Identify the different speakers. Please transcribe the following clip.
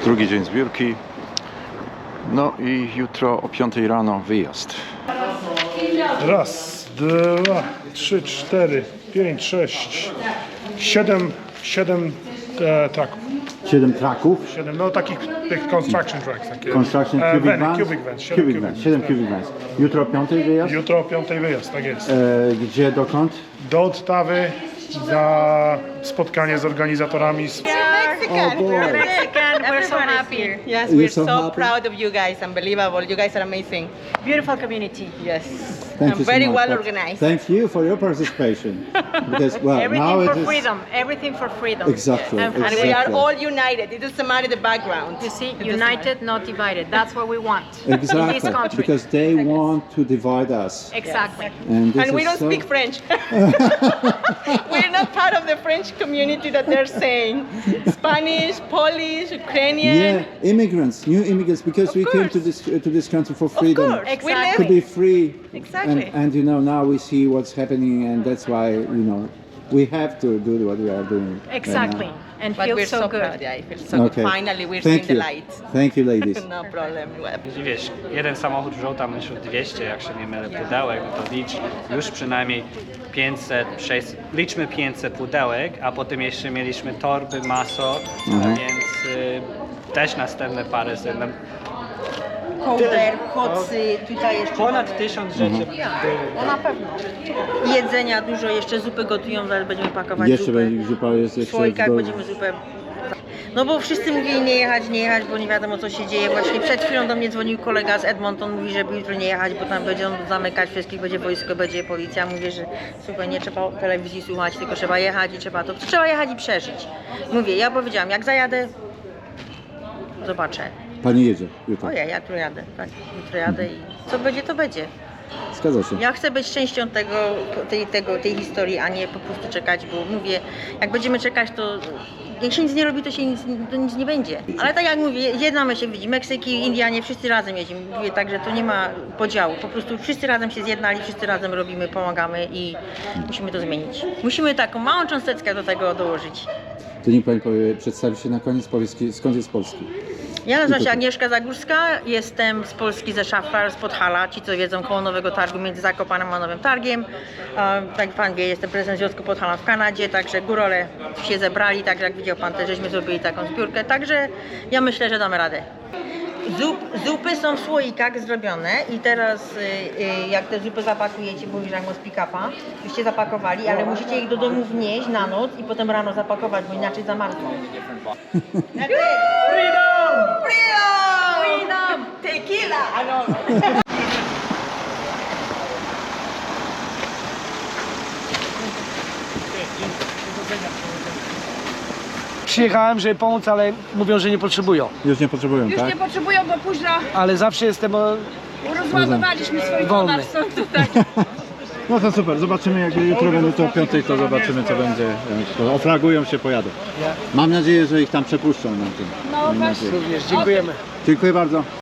Speaker 1: Drugi dzień zbiórki. No i jutro o 5 rano wyjazd.
Speaker 2: Raz, dwa, trzy, cztery, pięć, sześć, siedem traków.
Speaker 3: 7 traków.
Speaker 2: 7, no takich tych construction tracks. Takie.
Speaker 3: Construction cubic vans.
Speaker 2: Cubic vans.
Speaker 3: 7 cubic vans. Jutro o 5 wyjazd?
Speaker 2: Jutro o 5 wyjazd, tak jest.
Speaker 3: Gdzie, dokąd?
Speaker 2: Do Ottawy na spotkanie z organizatorami.
Speaker 4: Mexican.
Speaker 3: Oh, boy.
Speaker 4: We're Mexican. We're so
Speaker 5: Everybody's
Speaker 4: happy.
Speaker 5: here.
Speaker 4: Yes,
Speaker 3: You're
Speaker 4: we're
Speaker 3: so
Speaker 4: so
Speaker 3: happy?
Speaker 4: proud of you guys. Unbelievable. You guys are amazing.
Speaker 5: Beautiful community.
Speaker 4: Yes.
Speaker 3: Thank
Speaker 4: And
Speaker 3: you so
Speaker 4: very
Speaker 3: much.
Speaker 4: well
Speaker 3: But
Speaker 4: organized.
Speaker 3: Thank you for your participation. Because, well, now
Speaker 5: Everything
Speaker 3: it
Speaker 5: for
Speaker 3: is...
Speaker 5: freedom. Everything for freedom.
Speaker 3: Exactly,
Speaker 5: And
Speaker 4: And we are
Speaker 3: exactly.
Speaker 4: all united. It doesn't matter the background.
Speaker 5: You see,
Speaker 4: It doesn't
Speaker 5: united, not divided. That's what we want in this
Speaker 3: Exactly,
Speaker 5: country.
Speaker 3: because they want to divide us.
Speaker 5: Exactly.
Speaker 3: And, this
Speaker 4: And we
Speaker 3: is
Speaker 4: don't
Speaker 3: so...
Speaker 4: speak French. We're not part of the French community that they're saying. Spanish, Polish, Ukrainian.
Speaker 3: Yeah, immigrants, new immigrants, because we came to this country for freedom.
Speaker 4: Of course.
Speaker 5: Exactly.
Speaker 4: We live
Speaker 3: To be free.
Speaker 4: Exactly.
Speaker 3: And you know, now we see what's happening, and that's why, you know, we have to do what we are doing. right
Speaker 5: Exactly.
Speaker 3: now.
Speaker 5: And
Speaker 4: But
Speaker 5: feel
Speaker 4: we're
Speaker 5: so
Speaker 4: so
Speaker 5: good.
Speaker 4: proud. Yeah, I feel so good. Finally, we're seeing
Speaker 3: Thank
Speaker 4: the
Speaker 3: you.
Speaker 4: light.
Speaker 3: Thank you, ladies.
Speaker 4: No problem.
Speaker 6: I wiesz, jeden samochód wziął tam już 200, jak się nie mylę, pudełek, no to licz już przynajmniej 500, 600, liczmy 500 pudełek, a potem jeszcze mieliśmy torby, maso, więc też następne parę zewnątrz.
Speaker 4: Kołder, kocy, tutaj jeszcze
Speaker 6: Ponad 1000 rzeczy było.
Speaker 4: No na pewno. Jedzenia dużo, jeszcze zupy gotują, zaraz będziemy pakować
Speaker 3: Jeszcze
Speaker 4: zupę.
Speaker 3: będzie zupa, jest
Speaker 4: W
Speaker 3: jeszcze...
Speaker 4: słoikach będziemy zupę. No bo wszyscy mówili nie jechać, bo nie wiadomo co się dzieje. Właśnie przed chwilą do mnie dzwonił kolega z Edmonton, mówi, żeby jutro nie jechać, bo tam będą zamykać wszystkich, będzie wojsko, będzie policja. Mówię, że słuchaj, nie trzeba telewizji słuchać, tylko trzeba jechać i trzeba jechać i przeżyć. Mówię, ja powiedziałam, jak zajadę, zobaczę.
Speaker 3: Pani jedzie jutro.
Speaker 4: Ojej, ja tu jadę, tak, jutro jadę i co będzie, to będzie.
Speaker 3: Zgadza się.
Speaker 4: Ja chcę być częścią tej historii, a nie po prostu czekać, bo mówię, jak będziemy czekać, to jak się nic nie robi, to nic nie będzie. Ale tak jak mówię, jednamy się, widzi, Meksyki, Indianie, wszyscy razem jedziemy. Mówię tak, że to nie ma podziału, po prostu wszyscy razem się zjednali, wszyscy razem robimy, pomagamy i musimy to zmienić. Musimy taką małą cząsteczkę do tego dołożyć.
Speaker 3: To niech Pani przedstawi się na koniec, powie skąd jest Polski.
Speaker 4: Ja nazywam się Agnieszka Zagórska, jestem z Polski, ze Szafar, z Podhala, ci co wiedzą, koło Nowego Targu, między Zakopanem a Nowym Targiem. Tak jak Pan wie, jestem prezesem Związku Podhala w Kanadzie, także górole się zebrali, także jak widział Pan też, żeśmy zrobili taką zbiórkę, także ja myślę, że damy radę. Zupy są w słoikach zrobione i teraz jak te zupy zapakujecie, bo już jak z pick-upa, byście zapakowali, ale musicie ich do domu wnieść na noc i potem rano zapakować, bo inaczej zamarzną. Freedom! Freedom! Tequila!
Speaker 7: Przyjechałem, żeby pomóc, ale mówią, że nie potrzebują.
Speaker 3: Już nie potrzebują,
Speaker 8: Już
Speaker 3: tak?
Speaker 8: nie potrzebują, bo późno
Speaker 7: Ale zawsze jestem
Speaker 8: rozładowaliśmy swój
Speaker 7: Wolny.
Speaker 8: dolar, stąd tutaj.
Speaker 3: No to super, zobaczymy jak jutro będą to o 5, to zobaczymy co będzie. To oflagują się, pojadą. Mam nadzieję, że ich tam przepuszczą na tym.
Speaker 8: No
Speaker 3: Mam
Speaker 8: właśnie.
Speaker 3: nadzieję.
Speaker 7: również. Dziękujemy.
Speaker 3: Dziękuję bardzo.